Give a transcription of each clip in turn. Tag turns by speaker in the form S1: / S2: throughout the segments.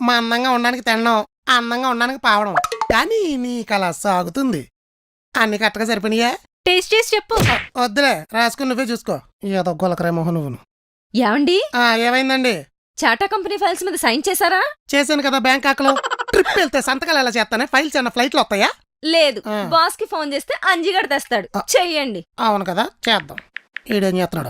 S1: మా అందంగా ఉండడానికి తినడం, అందంగా ఉండడానికి పావడం. కానీ నీకు అలా సాగుతుంది. అన్ని కరెక్ట్గా సరిపోయినాయా?
S2: టేస్ట్ చేసి చెప్పు.
S1: వద్దులే, రాసుకుని నువ్వే చూసుకో. ఏదో గొలకరే మొహం నువ్వును.
S2: ఏమండి,
S1: ఏమైందండి?
S2: చాటా కంపెనీ ఫైల్స్ మీద సైన్ చేశారా?
S1: చేశాను కదా బ్యాంకాక్లో. ట్రిప్ వెళ్తే సంతకాలు ఎలా చేస్తానే? ఫైల్స్ ఏమన్నా ఫ్లైట్లో వస్తాయా?
S2: లేదు, బాస్ కి ఫోన్ చేస్తే అంజిగడ తెస్తాడు. చెయ్యండి.
S1: అవును కదా, చేద్దాం. ఈడేం చేస్తున్నాడు?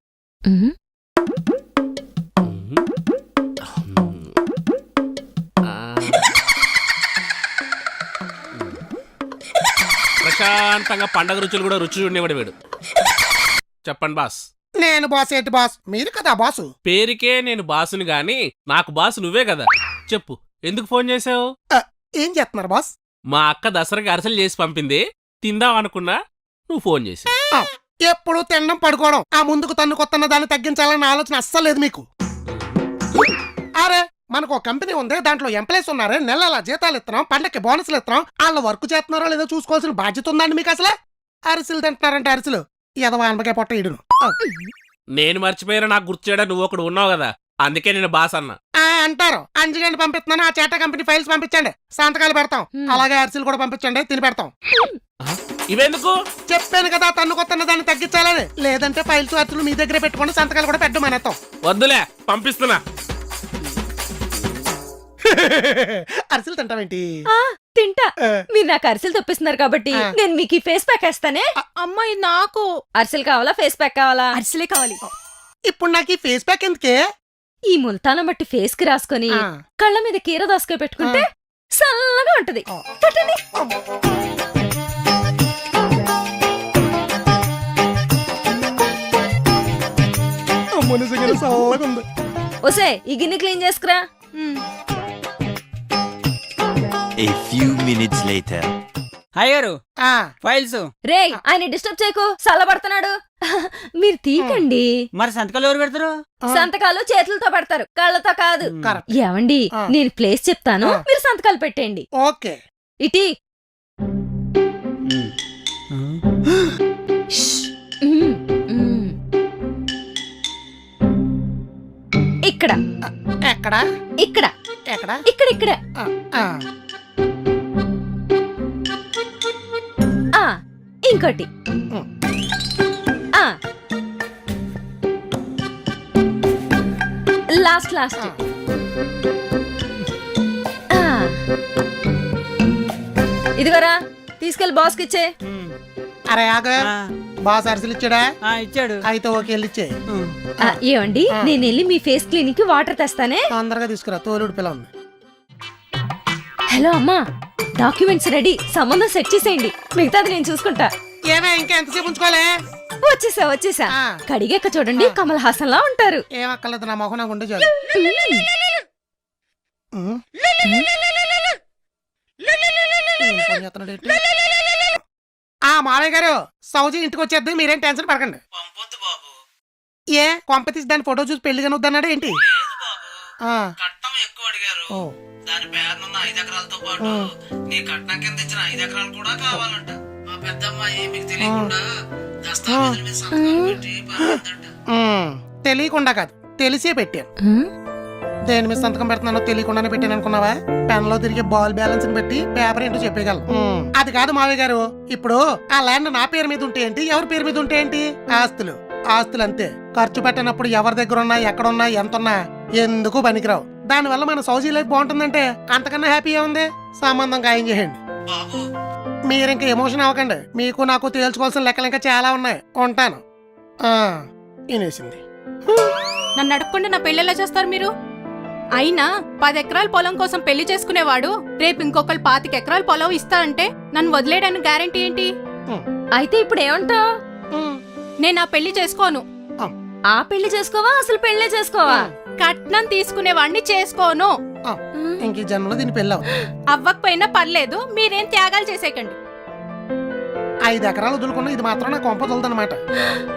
S3: ప్రశాంతంగా పండగ రుచులు కూడా రుచి చూడనివాడు వీడు. చెప్పండి బాస్.
S1: నేను బాస్ ఏంటి బాస్? మీరు కదా బాసు.
S3: పేరుకే నేను బాసుని గాని నాకు బాసు నువ్వే కదా. చెప్పు, ఎందుకు ఫోన్ చేసావు?
S1: ఏం చేస్తున్నారు బాస్?
S3: మా అక్క దసరాకి అరసలు చేసి పంపింది, తిందాం అనుకున్నా, నువ్వు ఫోన్ చేసావు.
S1: ఎప్పుడు తినడం పడుకోవడం, ఆ ముందుకు తన్ను కొత్తన్న దాన్ని తగ్గించాలన్న ఆలోచన అస్సలు లేదు మీకు. అరే, మనకు ఒక కంపెనీ ఉంది, దాంట్లో ఎంప్లాయీస్ ఉన్నారే, నెల జీతాలు ఇస్తున్నాం, పండక్కి బోనస్లు ఇస్తున్నాం. వాళ్ళు వర్క్ చేస్తున్నారో లేదో చూసుకోవాల్సిన బాధ్యత ఉందండి మీకు అసలు. అరిసెలు తింటున్నారంటే అరిసెలు ఎదవా అనబకే పొట్ట ఇడును.
S3: నేను మర్చిపోయినా నాకు గుర్తు చేయడం నువ్వు ఒకడు ఉన్నావు కదా, అందుకే నేను బాస్ అన్నా.
S1: అంటారు. అంజిగండి పంపిస్తున్నాను, ఆ చేటా కంపెనీ ఫైల్స్ పంపించండి, సంతకాలు పెడతాం. అలాగే అరిసెలు కూడా పంపించండి, తిని పెడతాం.
S3: ఇవెందుకు?
S1: చెప్పాను కదా, తన్ను కొత్తన్న దాన్ని తగ్గించాలని. లేదంటే ఫైల్స్ అరిసెలు మీ దగ్గరే పెట్టుకోండి, సంతకాలు కూడా పెట్టమనేస్తాం.
S3: వద్దులే, పంపిస్తున్నా.
S1: అరిసెలు తింటావేంటి?
S2: తింటా. మీరు నాకు అరిసెలు తెప్పిస్తున్నారు కాబట్టి నేను మీకు ఈ ఫేస్ ప్యాక్ వేస్తానే.
S4: అమ్మాయి నాకు
S2: అరిసెలు కావాలా, ఫేస్ ప్యాక్ కావాలా?
S4: అరిసెలే కావాలి.
S1: ఇప్పుడు నాకు ఈ ఫేస్ ప్యాక్ ఎందుకే?
S2: ఈ ముల్తానం బట్టి ఫేస్ కి రాసుకొని కళ్ళ మీద కీర దాసుకొని పెట్టుకుంటే చల్లగా ఉంటది. పట్టండి. ఒసే, ఈ గిన్నె క్లీన్ చేసుకురా.
S5: A few minutes later.
S6: అయ్యారు ఫైల్స్.
S2: రే, ఆయన డిస్టర్బ్ చేయకు, చల్లబడుతున్నాడు. మీరు తీకండి.
S6: మరి సంతకాలు ఎవరు పెడతారు?
S2: సంతకాలు చేతులతో పెడతారు, కళ్ళతో కాదు. ఏమండి, నేను ప్లేస్ చెప్తాను, మీరు సంతకాలు పెట్టండి.
S1: ఓకే.
S2: ఇటీ. ఇక్కడ
S1: ఎక్కడ?
S2: ఇక్కడ
S1: ఎక్కడ?
S2: ఇక్కడ ఇక్కడ. ఇంకోటి. Last last. ఇదిగోరా, తీసుకెళ్లి బాస్కి ఇచ్చే.
S1: అరే ఆగ, బాస్ అరిసెలు ఇచ్చాడా?
S6: ఇచ్చాడు.
S1: అయితే ఓకే, వెళ్ళిచ్చే.
S2: ఏమండి, నేను వెళ్ళి మీ ఫేస్ క్లీనిక్ కి వాటర్ తెస్తానే.
S1: తొందరగా తీసుకురా, తోలుడు పిల్ల ఉంది.
S2: హలో అమ్మా, డాక్యుమెంట్స్ రెడీ, సంబంధం సెట్ చేసేయండి, మిగతాది నేను చూసుకుంటా.
S1: ఏమే, ఇంకా ఎంతసేపు ఉంచుకోలే?
S2: వచ్చేసా. కడిగాక చూడండి, కమల్ హాసన్ లా ఉంటారు.
S1: ఏమక్కర్లేదు, నా మొహం నాకు ఉండే చాలు. మావయ్య గారు, సౌజీ ఇంటికి వచ్చేద్ది, మీరేం టెన్షన్ పడకండి. ఏ కొంప తీసి దాని ఫోటో చూసి పెళ్లి కనుద్దన్నాడు ఏంటి?
S6: కట్నం ఎక్కువ అడిగారు. దాని పేరునున్న 5 ఎకరాలతో పాటు నీ కట్నం కింద ఇచ్చిన 5 ఎకరాలు కూడా కావాలంట. మా పెద్దమ్మాయి మీకు తెలియకుండా దస్తావేజుల మీద సంతకాలు పెట్టి పంపిందంట.
S1: తెలియకుండా కాదు, తెలిసే పెట్టాను. దేని మీద సంతకం పెడుతున్నానో తెలియకుండానే పెట్టాను అనుకున్నావా? పెన్ లో తిరిగి బాల్ బ్యాలెన్స్ పెట్టి పేపర్ ఏంటో చెప్పగలను. అది కాదు మావయ్య గారు, ఇప్పుడు ఆ ల్యాండ్ నా పేరు మీద ఉంటే ఏంటి, ఎవరి పేరు మీద ఉంటే ఏంటి? ఆస్తులు అంతే. ఖర్చు పెట్టినప్పుడు ఎవరి దగ్గర ఉన్నా, ఎక్కడున్నా, ఎంతున్నా ఎందుకు పనికిరావు. దానివల్ల మన సౌజీ లైఫ్ బాగుంటుందంటే అంతకన్నా హ్యాపీ ఉంది. సంబంధం ఖాయం చేయండి. మీరింక ఎమోషన్ అవ్వకండి, మీకు నాకు తేల్చుకోవాల్సిన లెక్కలు ఇంకా చాలా ఉన్నాయి. ఉంటాను. వినేసింది.
S4: నన్ను అడగకుండా నా పెళ్ళెలా చేస్తారు మీరు? అయినా 10 ఎకరాల పొలం కోసం పెళ్లి చేసుకునేవాడు రేపు ఇంకొకరు 25 ఎకరాల పొలం ఇస్తా అంటే నన్ను వదిలేయడానికి గ్యారెంటీ ఏంటి?
S2: అయితే ఇప్పుడు ఏమంటావు?
S4: నేను ఆ పెళ్లి చేసుకోను.
S2: ఆ పెళ్లి చేసుకోవా, అసలు పెళ్లే చేసుకోవా?
S4: కట్నం తీసుకునేవాడిని చేసుకోను.
S1: ఇంక జన్మలో దీని పెళ్ళి
S4: అవ్వకపోయినా పర్లేదు, మీరేం త్యాగాలు చేసేకండి.
S1: 5 ఎకరాలు వదులుకున్నా ఇది మాత్రం నా కొంప తొలదనమాట.